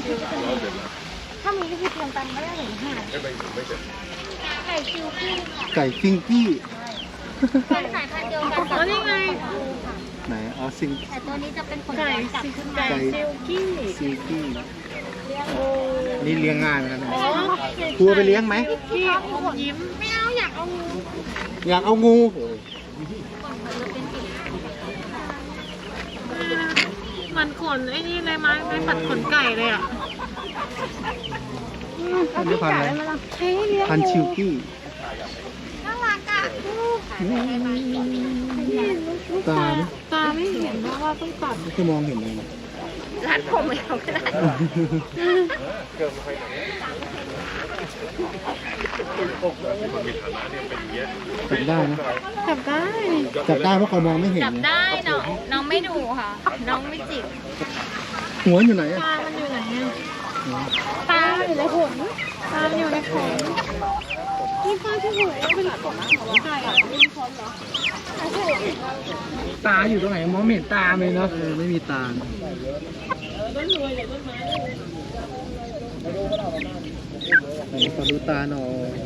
ถ้ามีก็คือเตรียมตังค์ไม่ได้หนึ่งห้าไก่คิวกิ้งไก่ฟิงกี้เป็นสายพันธุ์เดียวกันกับนี่ไงไหนอ๋อซิงแต่ตัวนี้จะเป็นขนไก่จับขึ้นมาไก่ซิลกี้ซิงกี้โอ้นี่เลี้ยงง่ายเหมือนกันนะอ๋อครูเอาไปเลี้ยงไหมกี้อมยิ้มไม่เอาอยากเอางูอยากเอางูมันขนไอ้นี่เลยไม้ปัดขนไก่เลยอ่ะอันนี้พันธุ์อะไรใช้เลี้ยงพันธุ์ชิวกี้น่ารักอ่ะตาไหมตาไม่เห็นเพราะว่าต้องตัดไม่เคยมองเห็นเลยนะรัดผมไม่เอาก็ได้จับได้นะจับได้จับได้เพราะเขามองไม่เห็นจับนะได้น้องไม่ดูค่ะ น้องไม่จิกหัวอยู่ไหนอะตามันอยู่ไหนอ่ะตาอยู่ในขนตามันอยู่ในขนนี่ป้าที่หัวเป็นขนของไก่อ่ะเป็นขนเหรอตาอยู่ตรงไหนมองไม่เห็นตาเลยเนาะไม่มีตาไหนขอดูตาหน่อย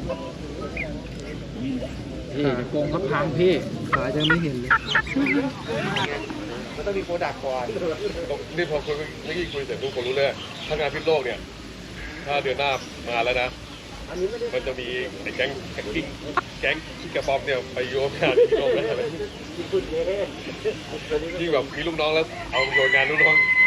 พี่โกงเขาพังพี่ขายังไม่เห็นเลยมันต้องมีโปรดักต์ก่อนนี่พอคุยเมื่อกี้คุยเสร็จทุกคนรู้เลยถ้างานพิษโลกเนี่ย ถ้าเดือนหน้ามาแล้วนะ มันจะมีไอ้แก๊งกิ้งแก๊งที่กระป๋อมเนี่ยไปโยนงานที่โลกได้เลยที่แบบมีลูกน้องแล้วเอาโยนงานลูกน้อง